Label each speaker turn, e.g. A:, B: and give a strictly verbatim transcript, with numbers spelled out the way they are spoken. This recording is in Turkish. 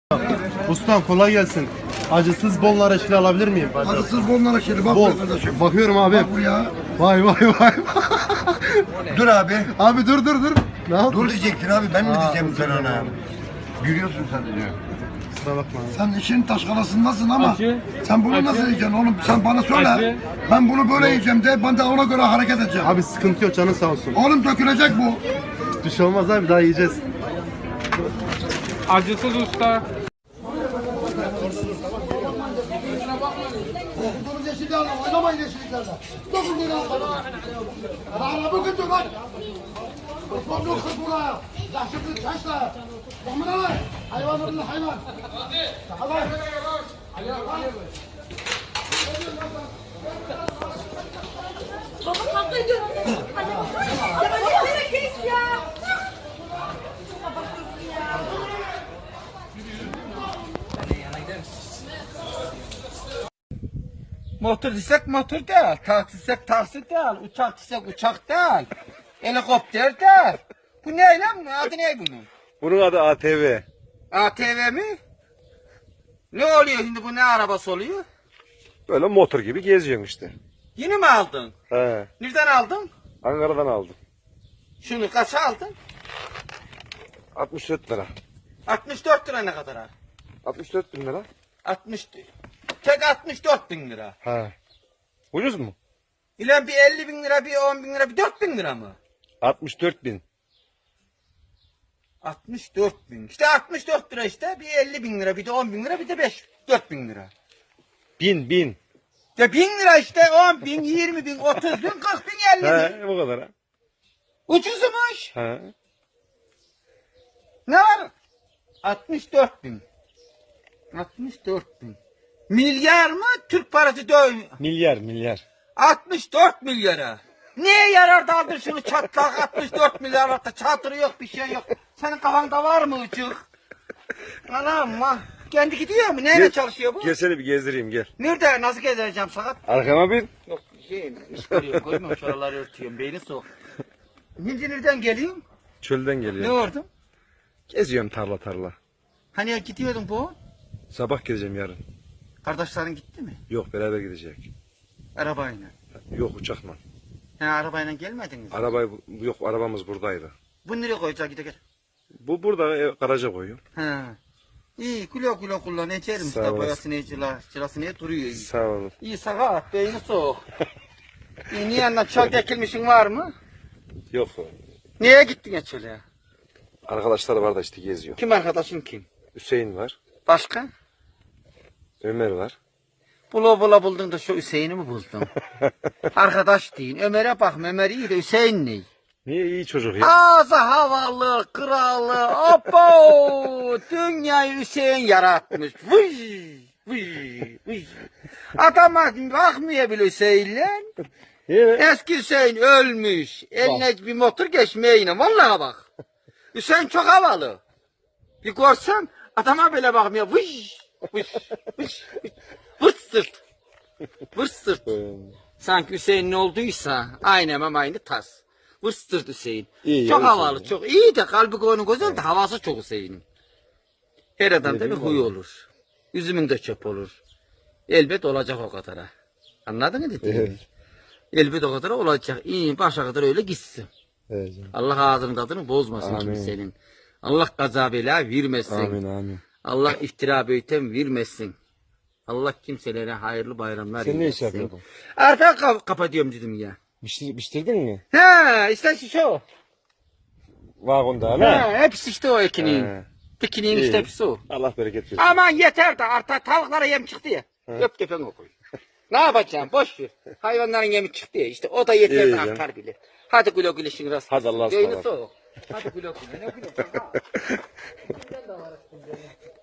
A: Ustam kolay gelsin. Acısız bol nar eşkili alabilir miyim?
B: Acısız bol nar eşkili. Bak
A: Bol.
B: kardeşim.
A: Bakıyorum abi.
B: Bak buraya.
A: Vay vay vay.
B: Dur abi.
A: Abi dur dur dur. Ne yaptın?
B: Dur diyecektin abi. Ben mi
A: Aa,
B: diyeceğim sen ona? Gülüyorsun sadece.
A: Kusura bakma.
B: Sen işin taşkalasındasın ama
C: Acı.
B: sen bunu
C: Acı.
B: nasıl yiyeceksin oğlum? Sen bana söyle.
C: Acı.
B: Ben bunu böyle yiyeceğim de ben de ona göre hareket edeceğim.
A: Abi sıkıntı yok, canın sağ olsun.
B: Oğlum dökülecek bu.
A: Bir şey olmaz abi, daha yiyeceğiz.
C: Acısız usta.
B: Dokundurun yeşilliklerle oynamayın yeşilliklerle. Dokundurun al. Bana bugün dur lan. Osman yok kız buraya. Yaşıklı taşla. Bakmına lan. Hayvan öldü hayvan. Hadi.
D: Baba kavga ediyorum. Ya ne kes ya.
E: Motor desek motor değil, taksi desek taksi değil, uçak desek uçak değil, helikopter değil. Bu ne lan? Adı ne bunun?
F: Bunun adı A T V.
E: A T V mi? Ne oluyor şimdi, bu ne arabası oluyor?
F: Böyle motor gibi geziyorsun işte.
E: Yeni mi aldın?
F: He.
E: Nereden aldın?
F: Ankara'dan aldım.
E: Şunu kaça aldın?
F: altmış dört lira.
E: altmış dört lira ne kadar ha?
F: altmış dört bin lira.
E: altmış, tek altmış dört bin lira.
F: He. Ucuz mu?
E: İlan bir elli bin lira, bir on bin lira, bir dört bin lira mı?
F: altmış dört bin.
E: altmış dört bin. İşte altmış dört lira işte, bir elli bin lira, bir de on bin lira, bir de beş, dört bin lira.
F: Bin bin.
E: Ya bin lira işte, on bin, yirmi bin, otuz bin, kırk bin, elli bin.
F: He, bu kadar ha.
E: Ucuzmuş.
F: He.
E: Ne var? altmış dört bin. altmış dört bin. Milyar mı? Türk parası döv.
F: Milyar milyar.
E: altmış dört milyara. Neye yarar da aldın şunu çatlak altmış dört milyar hatta çatırı yok bir şey yok. Senin kafanda var mı uçuk? Anam vah. Kendi gidiyor mu? Neyle çalışıyor bu?
F: Gel seni bir gezdireyim gel.
E: Nerede? Nasıl gezeceğim sakat?
F: Arkama bin.
E: Yok şey iş görüyorum koymuyorum şuraları örtüyorum beyni soğuk. Şimdi nereden geliyorsun?
F: Çölden
E: Ne
F: geliyorum.
E: ordun?
F: Geziyorum tarla tarla.
E: Hani ya gidiyordun bu?
F: Sabah gideceğim yarın.
E: Kardeşlerin gitti mi?
F: Yok beraber gidecek.
E: Arabayla.
F: Yok uçakla.
E: He arabayla gelmediniz.
F: Arabayı yok arabamız buradaydı.
E: Bu nereye koyacak gide gel.
F: Bu burada e, garaja koyuyor.
E: He. İyi güle güle kullan içerim
F: Sağ
E: işte
F: olasın.
E: boyasını cila, cilasını duruyor iyi.
F: Sağ olun.
E: İyi sakat beyni soğuk. İyi niye yanına çöl dikilmişin var mı?
F: Yok.
E: Niye gittin ya çöle?
F: Arkadaşlar var da işte geziyor.
E: Kim arkadaşın kim?
F: Hüseyin var.
E: Başka?
F: Ömer var.
E: Bula bula buldun da şu Hüseyin'i mi buldun? Arkadaş deyin. Ömer'e bak Ömer iyi de Hüseyin ne?
F: Niye iyi çocuk ya?
E: Ağzı havalı, kralı, opo! Dünyayı Hüseyin yaratmış. Vıy, vıy, vıy. Adama bakmıyor bile Hüseyin'le.
F: Niye?
E: Eski Hüseyin ölmüş. Eline bir motor geçmeyle. Vallahi bak. Hüseyin çok havalı. Bir görsem adama bile bakmıyor. Vıy, vıy, vıy, vıy. Vırt sırt. Vırt sırt. Sanki Hüseyin ne olduysa aynen ama aynı tas. Vırstır Hüseyin.
F: İyi
E: çok
F: ya
E: havalı,
F: Hüseyin.
E: çok iyi de kalbi koyunu güzel de havası çok Hüseyin'in. Her adamda bir huy olur. Üzümün de çöp olur. Elbet olacak o kadara. Anladın mı dediğimi?
F: Evet.
E: Elbet o kadar olacak. İyi başa kadar öyle gitsin.
F: Evet canım.
E: Allah ağzının tadını bozmasın
F: Amin.
E: kimsenin. Allah gaza bela vermesin.
F: Amin amin.
E: Allah iftira beytem vermesin. Allah kimselere hayırlı bayramlar
F: Sen ne iş
E: eylesin.
F: yapıyordun?
E: Arka kap kapatıyorum dedim ya.
F: Biçtir, biçtirdin mi?
E: He işte şu o.
F: Vagonda hala.
E: He, hepsi işte o ekinin.
F: He.
E: Dikinin
F: İyi.
E: işte hepsi o.
F: Allah bereket versin.
E: Aman yeter de artık tavuklara yem çıktı ya. Öp tepen koy. Ne yapacağım boş ver. Hayvanların yemi çıktı ya işte o da yeter
F: İyi
E: de
F: canım.
E: artar bile. Hadi güle güle şimdi rast.
F: Hadi Allah'a
E: Beyni
F: ısmarladık.
E: soğuk. Hadi güle güle. Ne güle güle. Ha. Ben de var aslında.